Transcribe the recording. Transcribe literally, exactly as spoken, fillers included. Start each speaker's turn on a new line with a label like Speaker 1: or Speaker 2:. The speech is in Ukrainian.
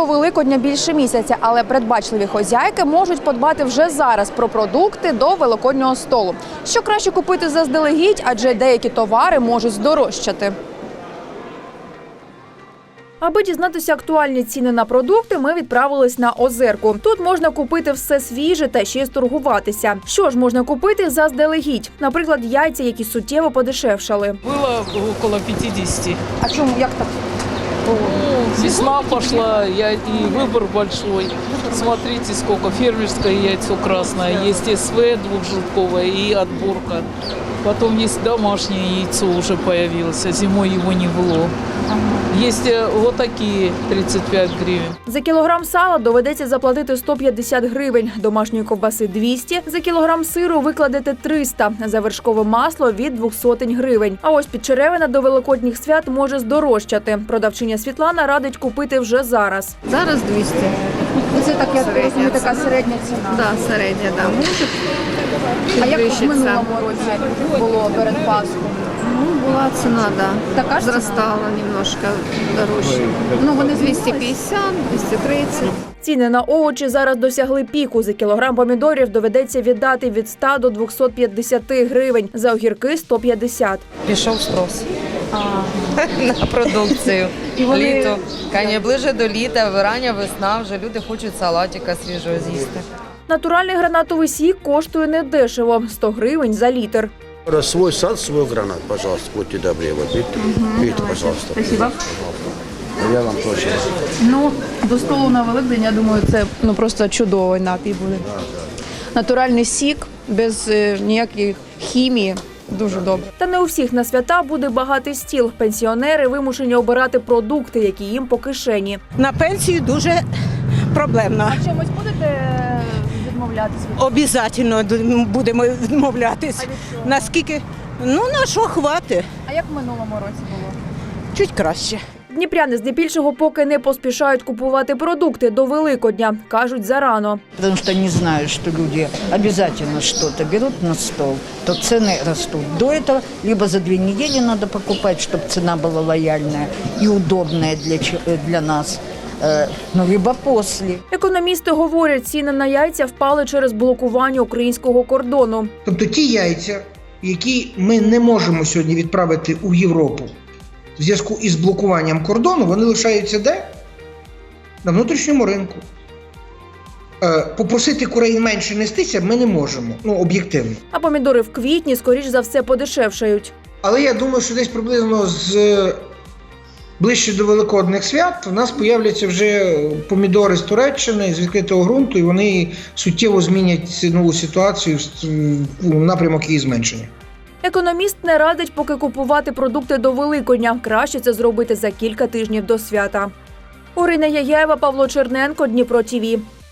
Speaker 1: До Великодня більше місяця, але передбачливі хозяйки можуть подбати вже зараз про продукти до великоднього столу. Що краще купити заздалегідь, адже деякі товари можуть здорожчати. Аби дізнатися актуальні ціни на продукти, ми відправились на Озерку. Тут можна купити все свіже та ще й сторгуватися. Що ж можна купити заздалегідь? Наприклад, яйця, які суттєво подешевшали.
Speaker 2: Было около пятидесяти.
Speaker 1: А чому, як так?
Speaker 2: Ну, весна пошла, я, и выбор большой. Смотрите, сколько. Фермерское яйцо красное, есть СВ двухжелтковое и отборка. Потом есть домашнее яйцо уже появилось, а зимой его не было. Есть вот такие тридцать пять гривен.
Speaker 1: За кілограм сала доведеться заплатити сто п'ятдесят гривень, домашньої ковбаси – двісті, за кілограм сиру викладете триста, за вершкове масло – від двох сотень гривень. А ось підчеревина до великодніх свят може здорожчати. Продавчиня Світлана радить купити вже зараз.
Speaker 3: Зараз двісті.
Speaker 1: Це так, я розумію, така середня ціна.
Speaker 3: Да, середня, да. Може
Speaker 1: А як в
Speaker 3: підвищиться.
Speaker 1: минулому році було перед Пасхою?
Speaker 3: Ну, була ціна, да.
Speaker 1: Така ж ціна?
Speaker 3: Зростала немножко дорожче.
Speaker 1: Ну, вони
Speaker 3: двісті п'ятдесят, двісті тридцять.
Speaker 1: Ціни на овочі зараз досягли піку. За кілограм помідорів доведеться віддати від ста до двохсот п'ятдесяти гривень, за огірки – сто п'ятдесят.
Speaker 4: Пішов спрос на продукцію. Літо. Каня ближе до літа, рання весна, вже люди хочуть салатика свіжого з'їсти.
Speaker 1: Натуральний гранатовий сік коштує недешево – сто гривень за літр.
Speaker 5: Свой сад, свой гранат, пожалуйста, будьте добры. Вот, видите, видите, пожалуйста.
Speaker 1: Спасибо.
Speaker 5: Я вам тоже.
Speaker 1: Ну, до столу на Великдень, я думаю, це ну, просто чудовий напій буде. Натуральний сік, без е, ніяких хімії. Дуже добре. Та не у всіх на свята буде багатий стіл. Пенсіонери вимушені обирати продукти, які їм по кишені.
Speaker 6: На пенсію дуже проблемно.
Speaker 1: А чимось будете відмовлятися?
Speaker 6: Обов'язково будемо відмовлятись. Наскільки? Ну, на що хватить?
Speaker 1: А як в минулому році було?
Speaker 6: Чуть краще.
Speaker 1: Дніпряни здебільшого поки не поспішають купувати продукти до Великодня. Кажуть, зарано.
Speaker 7: Потому что они знают, что люди обязательно что-то берут на стол, то цены растут. До этого либо за две недели надо покупать, чтобы цена была лояльная и удобная для, для нас, ну, либо после.
Speaker 1: Економісти говорять, ціни на яйця впали через блокування українського кордону.
Speaker 8: Тобто ті яйця, які ми не можемо сьогодні відправити у Європу в зв'язку із блокуванням кордону, вони лишаються де? На внутрішньому ринку. Е, попросити курей менше нестися ми не можемо, ну, об'єктивно.
Speaker 1: А помідори в квітні, скоріш за все, подешевшають.
Speaker 8: Але я думаю, що десь приблизно з ближче до Великодних свят у нас появляться вже помідори з Туреччини, з відкритого ґрунту, і вони суттєво змінять цінову ситуацію в напрямок її зменшення.
Speaker 1: Економіст не радить поки купувати продукти до Великодня. Краще це зробити за кілька тижнів до свята. Орина Яєва, Павло Черненко, Дніпро ТІВІ.